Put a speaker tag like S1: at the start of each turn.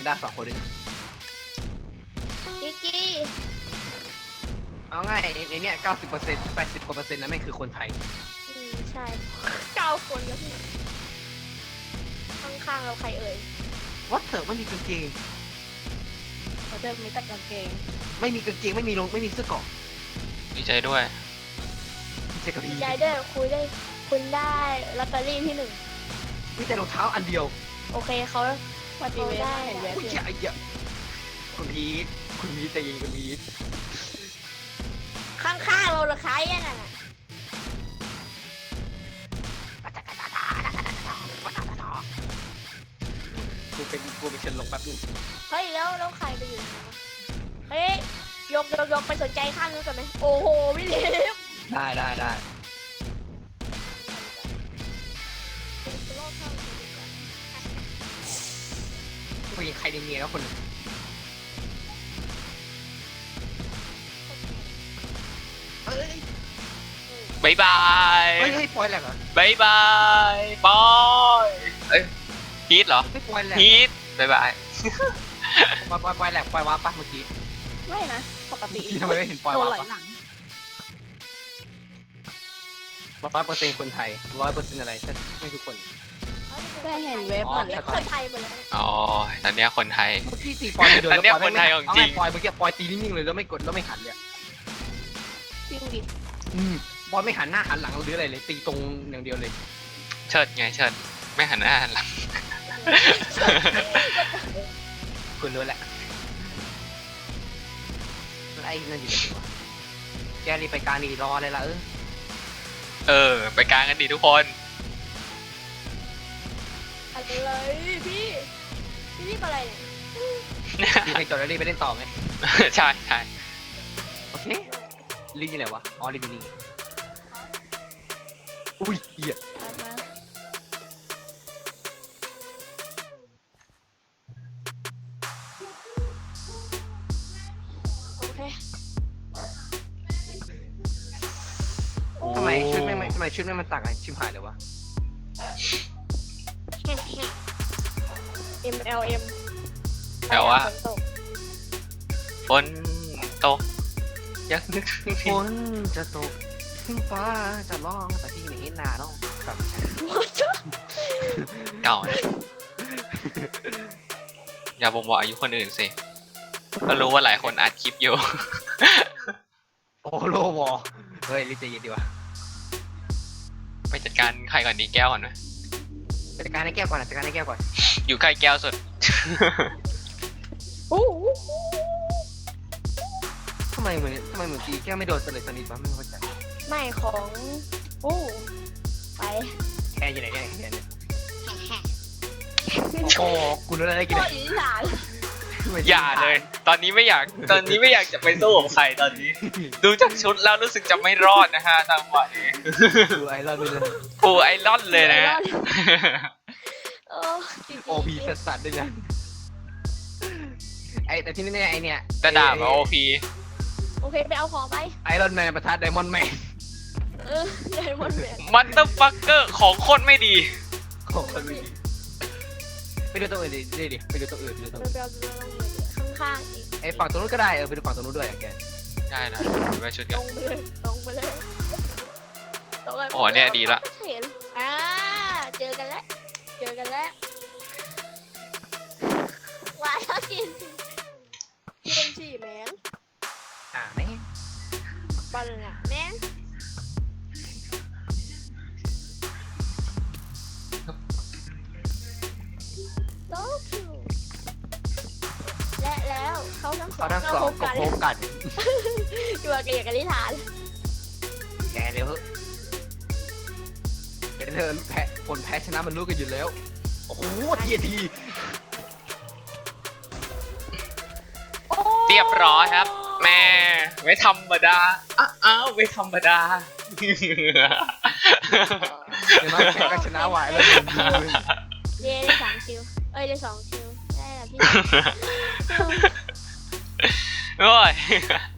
S1: นด้า2 คนด้วย
S2: กิกกี้
S1: เอาง่ายในเนี้ย90% 80% นะแม่งคือคนไทย
S2: ใช่9 คนแล้วพี่ข้างๆเราใครเอ่ย
S1: วัดเถอะไม่มีกางเกง
S3: เขาจะมีแต่กางเกง
S1: ไม่มีกางเกงไม่มีเสื้อเกราะ
S4: ดีใจด้วย
S1: เจ๊กับพี่
S2: ยายเด้อคุณได้ลอตเตอรี่ที่
S1: มีแต่รองเท้าอันเดียว
S2: 1โอเคเขา
S3: วันดีเวสเห็นเวส
S1: อุ้ย
S3: อยู่
S1: ไอ้เหี้ยคุณพีทใจเย็นคุณพีท
S2: ข้างๆเราเหรือใครอ่ะน่ะ
S1: กูเป็นเชิญลงแป๊บนึง
S2: เฮ้ยแล้วใครไปอยู่ไหนวะเฮ้ยยกไปสนใจข้างนู้นกันไหมโอ้โหพี่ลิฟ
S1: ได้กูยิงใครในเมียแล้วคนหนึ่งเฮ้ย
S4: บายบาย
S1: เฮ้ยปล่อยแหลกเหรอบ
S4: ายบายบอยเอ้ยพีทเหรอ
S1: ไม่ปล่อยแหลก
S4: พีทบายบาย
S1: ปล่อยแหลกปล่อยวาร์ปปะเมื่อกี้
S3: ไม่นะปกติ
S1: ทำไมไม่เห็นปล่อย
S3: โดน
S1: วา
S3: ไหล
S1: ร์ป
S3: หลัง
S1: 100%คนไทย100%อะไรไม่ทุกคน
S3: ได้เห็นเวฟ
S1: อ๋อ
S3: เหมือน
S2: เล็กคนไทยหมดเลย
S4: อ๋อตอนเนี้ยคนไทย
S1: เมื่อกี้ตีปล่อยไม่โดน
S4: อันเนี้ย
S1: แล้ว
S4: คนไทยของจริง
S1: ปล่อยเมื่อกี้ปล่อยตีนิ่งๆเลยแล้วไม่กดแล้วไม่หันเลย
S3: จริงดิ
S1: บอลไม่หันหน้าหันหลังหรืออะไรเลยตีตรงอย่างเดียวเลย
S4: เชิดไงเชิดไม่หันหน้าหันหลัง
S1: คุณรู้แหละไอ้นั่นอยู่ไหนวะแกรีบไปการดีรออะไรล่ะ
S4: ไปกลางกันดีทุกคน
S2: อะไรพี่รีบอะไรเนี่ย
S1: รีบไปจอดแล้วรีบไปเล่นต่อไหม
S4: ใช่ใช่
S1: โอเครีบอยู่ไหนวะอ๋อรีบอยู่นี่อุ้ยเหี้ย
S3: ตามมา
S2: โอเค
S1: ทำไมชุดแม่งมันต่างกันชิมหายเลยวะ
S2: MLM
S4: แต่ว่า
S2: ฝนตก
S4: ฝนตกยังนึกถึง
S1: ฝนจะตกถึงฟ้าจะร้องแต่ที่ไม่เห็นหน้าน้องครับ
S4: เก่านะอย่าบ่งบอกอายุคนอื่นสิก็รู้ว่าหลายคนอัดคลิปอยู่
S1: โอ้โลวอเฮ้ยรีบใจเย็นดีวะ
S4: ไปจัดการใครก่อนดีแก้วก่อนไหม
S1: จัดการให้แก้วก่อนจัดการให้แก้วก่อน
S4: อยู่ใกล้แก้วสุด
S2: โอ้โห
S1: ทำไมเหมือนตีแก้วไม่โดนสนิทวะไม่เข้าใจ
S2: ไม่ของโอ้ไป
S1: แค่อยู่ไหนเนี่ยแค่เนี่ยโอ้โหกูรู้แล้วได้กิน
S2: โค
S1: อะ
S2: ตรอีสาน
S4: อย่าเลย ตอนนี้ไม่อยากจะไปสู้กับใครตอนนี้ ดูจากชุดแล้วรู้สึกจะไม่รอดนะฮะจังหวะนี้
S1: ดูไอรอนไปเลย
S4: ปูไอรอนเลยนะ
S2: เออจริงๆ
S1: โอพีสัสด้วยนะไอแต่ที่นี่ไอเนี่ย
S4: จะด่ามาโอพี
S2: โอเคไปเอาของไป
S1: ไอรอนแมนประทัดไดมอนด์แมน
S2: ใหญ่หมดเลย
S4: มันเตอร์ฟักเกอร์ของโคตรไม่ดี
S1: ของคนไม่ดีไปดูตัวอื่นดิไปดูตัวอื่น
S2: ไปเอาข้างๆอีก
S1: ไอฝั่งตรงนู้นก็ได้ไปดูฝั่งตรงนู้นด้วยแก
S4: ได้นะไปชุด
S2: ต
S4: กั
S2: ร
S4: น
S2: งไปเลยตรงไปเลยตรงไป
S4: โอ้เนี่ยดีละ
S2: เห็นเจอกันแล้วว้ายกินฉี่แมง
S1: แม่ง
S2: ปันอ่ะแมงโลคิวและแล้วเขาทั้งสอ
S1: เขา
S2: ง
S1: ทั้งสองก็
S2: กัน
S1: พบกัน
S2: อยู่กับเกียรติกันนิทาน
S1: แกเร็วเดี๋ยวเธอแพ้ผลแพ้ชนะมันรู้กันอยู่แล้วโอ้โหที
S4: เรียบร้อยครับ แม่ไม่ธรรมดาอ้าวไม่ธรรมดา
S1: เดี๋ยวน้องแพ้ก็ชนะไหวแล้ว
S2: เย้ได้3 คิวได้2 คิวได้แล้วพี่
S4: โอ้ย